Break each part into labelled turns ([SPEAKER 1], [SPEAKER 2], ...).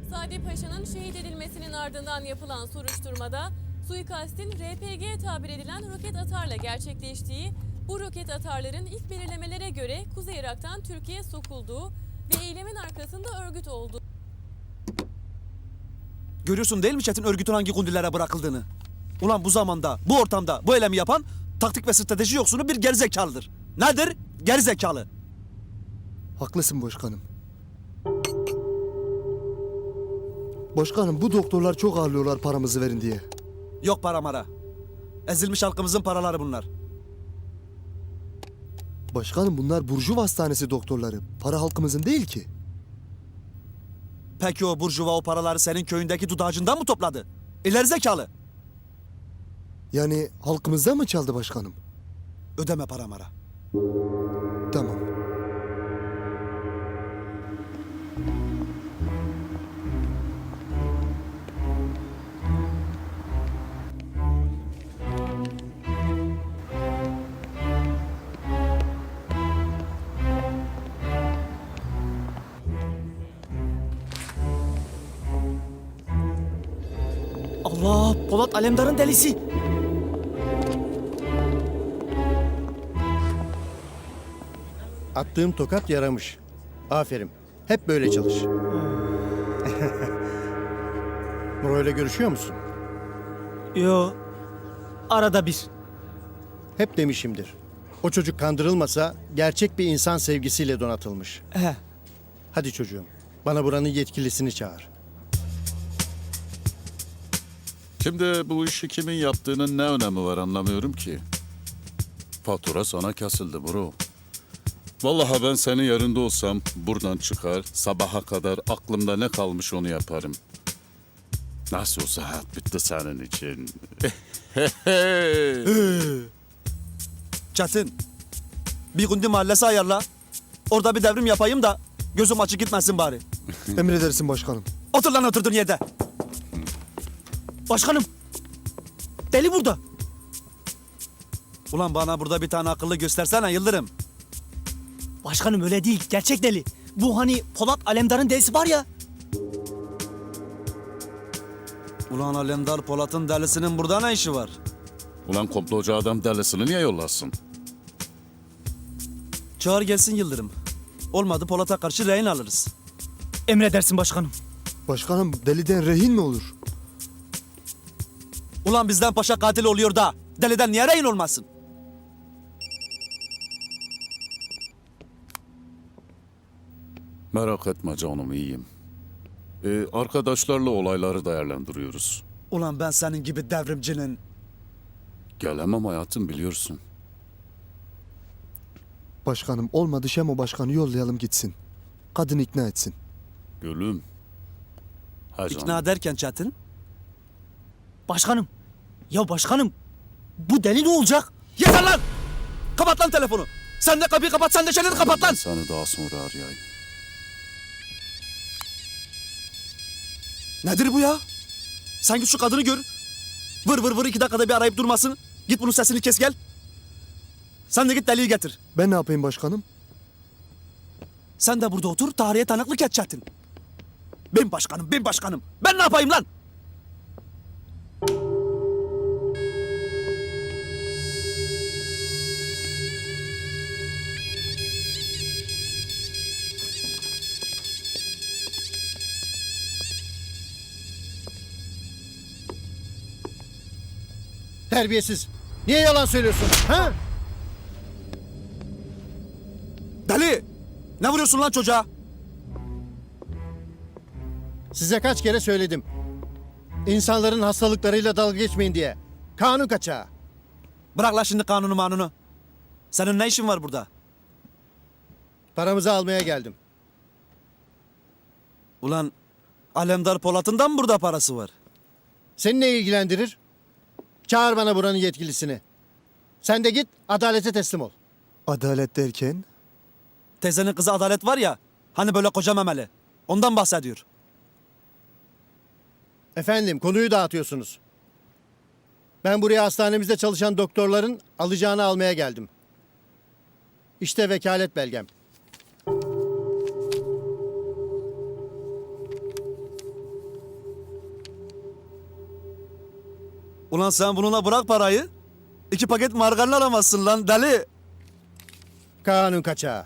[SPEAKER 1] Sadi Paşa'nın şehit edilmesinin ardından yapılan soruşturmada suikastin RPG tabir edilen roket atarla gerçekleştiği, bu roket atarların ilk belirlemelere göre Kuzey Irak'tan Türkiye'ye sokulduğu ve eylemin arkasında örgüt olduğu.
[SPEAKER 2] Görüyorsun değil mi Çetin örgütün hangi kundilere bırakıldığını? Ulan bu zamanda, bu ortamda bu eylemi yapan taktik ve strateji yoksunu bir gerizekalıdır. Nedir? Gerizekalı.
[SPEAKER 3] Haklısın başkanım. Başkanım bu doktorlar çok ağırlıyorlar paramızı verin diye.
[SPEAKER 2] Yok para mara. Ezilmiş halkımızın paraları bunlar.
[SPEAKER 3] Başkanım bunlar Burjuva Hastanesi doktorları. Para halkımızın değil ki.
[SPEAKER 2] Peki o burjuva o paraları senin köyündeki dudağacından mı topladı? İleri zekalı.
[SPEAKER 3] Yani halkımızdan mı çaldı başkanım?
[SPEAKER 2] Ödeme para mara.
[SPEAKER 3] Tamam.
[SPEAKER 4] Allah! Polat Alemdar'ın delisi.
[SPEAKER 5] Attığım tokat yaramış. Aferin. Hep böyle çalış. Muro'yla görüşüyor musun?
[SPEAKER 4] Yo. Arada bir.
[SPEAKER 5] Hep demişimdir. O çocuk kandırılmasa gerçek bir insan sevgisiyle donatılmış.
[SPEAKER 4] He.
[SPEAKER 5] Hadi çocuğum. Bana buranın yetkilisini çağır.
[SPEAKER 6] Şimdi bu işi kimin yaptığının ne önemi var anlamıyorum ki. Fatura sana kesildi bro. Vallahi ben senin yerinde olsam buradan çıkar, sabaha kadar aklımda ne kalmış onu yaparım. Nasıl olsa hayat bitti senin için.
[SPEAKER 2] Çetin. Bir gundi mahallesi ayarla. Orada bir devrim yapayım da gözüm açık gitmesin bari.
[SPEAKER 3] Emredersin başkanım.
[SPEAKER 2] Otur lan oturduğun yerde.
[SPEAKER 4] Başkanım. Deli burada.
[SPEAKER 2] Ulan bana burada bir tane akıllı göstersene Yıldırım.
[SPEAKER 4] Başkanım öyle değil. Gerçek deli. Bu hani Polat Alemdar'ın delisi var ya.
[SPEAKER 2] Ulan Alemdar Polat'ın delisinin burada ne işi var?
[SPEAKER 6] Ulan komplocu adam delisini niye yollasın?
[SPEAKER 2] Çağır gelsin Yıldırım. Olmadı Polat'a karşı rehin alırız.
[SPEAKER 4] Emredersin başkanım.
[SPEAKER 3] Başkanım deliden rehin mi olur?
[SPEAKER 2] Ulan bizden paşa katil oluyor da deliden niye rehin olmasın?
[SPEAKER 6] Merak etme canım iyiyim. Arkadaşlarla olayları değerlendiriyoruz.
[SPEAKER 2] Ulan ben senin gibi devrimcinin...
[SPEAKER 6] Gelemem hayatım biliyorsun.
[SPEAKER 3] Başkanım olmadı Şemo başkanı yollayalım gitsin. Kadın ikna etsin.
[SPEAKER 6] Gülüm. Ha canım.
[SPEAKER 2] İkna ederken Çetin...
[SPEAKER 4] Başkanım. Ya başkanım. Bu deli ne olacak?
[SPEAKER 2] Yeter lan! Kapat lan telefonu. Sen de kapıyı kapat, sen de çeneni kapat lan!
[SPEAKER 6] Ben seni daha sonra arayayım.
[SPEAKER 2] Nedir bu ya? Sen git şu kadını gör. Vır vır vır 2 dakikada bir arayıp durmasın. Git bunun sesini kes gel. Sen de git deliği getir.
[SPEAKER 3] Ben ne yapayım başkanım?
[SPEAKER 2] Sen de burada otur, tarihe tanıklık et Çetin. Ben başkanım, ben başkanım. Ben ne yapayım lan?
[SPEAKER 5] Terbiyesiz. Niye yalan söylüyorsun? Ha?
[SPEAKER 2] Deli! Ne vuruyorsun lan çocuğa?
[SPEAKER 5] Size kaç kere söyledim. İnsanların hastalıklarıyla dalga geçmeyin diye. Kanun kaçağı.
[SPEAKER 2] Bırak lan şimdi kanunu manunu. Senin ne işin var burada?
[SPEAKER 5] Paramızı almaya geldim.
[SPEAKER 2] Ulan Alemdar Polat'ın da mı burada parası var?
[SPEAKER 5] Seni ne ilgilendirir? Çağır bana buranın yetkilisini. Sen de git adalete teslim ol.
[SPEAKER 3] Adalet derken?
[SPEAKER 2] Teyzenin kızı Adalet var ya, hani böyle koca memeli. Ondan bahsediyor.
[SPEAKER 5] Efendim konuyu dağıtıyorsunuz. Ben buraya hastanemizde çalışan doktorların alacağını almaya geldim. İşte vekalet belgem.
[SPEAKER 2] Ulan sen bununla bırak parayı. 2 paket margarin alamazsın lan deli.
[SPEAKER 5] Kanun kaçağı.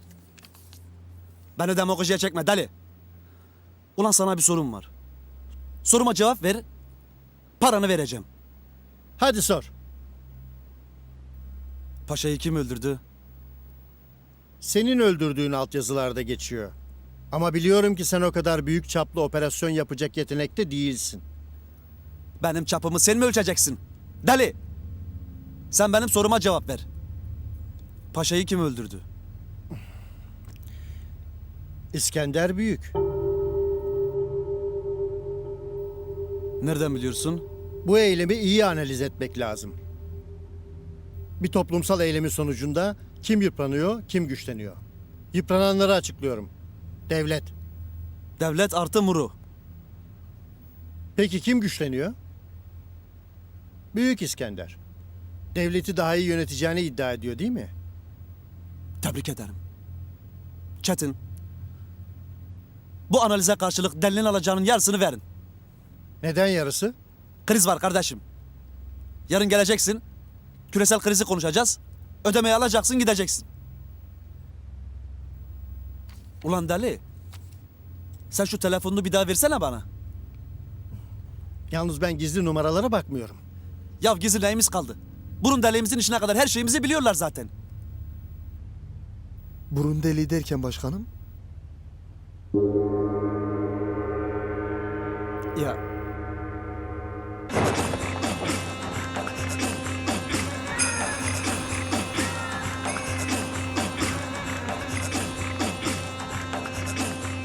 [SPEAKER 2] Beni demagojiye çekme deli. Ulan sana bir sorum var. Soruma cevap ver. Paranı vereceğim.
[SPEAKER 5] Hadi sor.
[SPEAKER 2] Paşayı kim öldürdü?
[SPEAKER 5] Senin öldürdüğün altyazılarda geçiyor. Ama biliyorum ki sen o kadar büyük çaplı operasyon yapacak yetenekte değilsin.
[SPEAKER 2] Benim çapımı sen mi ölçeceksin? Deli! Sen benim soruma cevap ver. Paşayı kim öldürdü?
[SPEAKER 5] İskender Büyük.
[SPEAKER 2] Nereden biliyorsun?
[SPEAKER 5] Bu eylemi iyi analiz etmek lazım. Bir toplumsal eylemin sonucunda kim yıpranıyor, kim güçleniyor. Yıprananları açıklıyorum. Devlet.
[SPEAKER 2] Devlet artı muru.
[SPEAKER 5] Peki kim güçleniyor? Büyük İskender. Devleti daha iyi yöneteceğini iddia ediyor değil mi?
[SPEAKER 2] Tebrik ederim. Çetin. Bu analize karşılık delinin alacağının yarısını verin.
[SPEAKER 5] Neden yarısı?
[SPEAKER 2] Kriz var kardeşim. Yarın geleceksin. Küresel krizi konuşacağız. Ödemeyi alacaksın gideceksin. Ulan deli. Sen şu telefonunu bir daha versene bana.
[SPEAKER 5] Yalnız ben gizli numaralara bakmıyorum.
[SPEAKER 2] Ya gizli neyimiz kaldı? Burun deliğimizin işine kadar her şeyimizi biliyorlar zaten.
[SPEAKER 3] Burun deliği derken başkanım?
[SPEAKER 2] Ya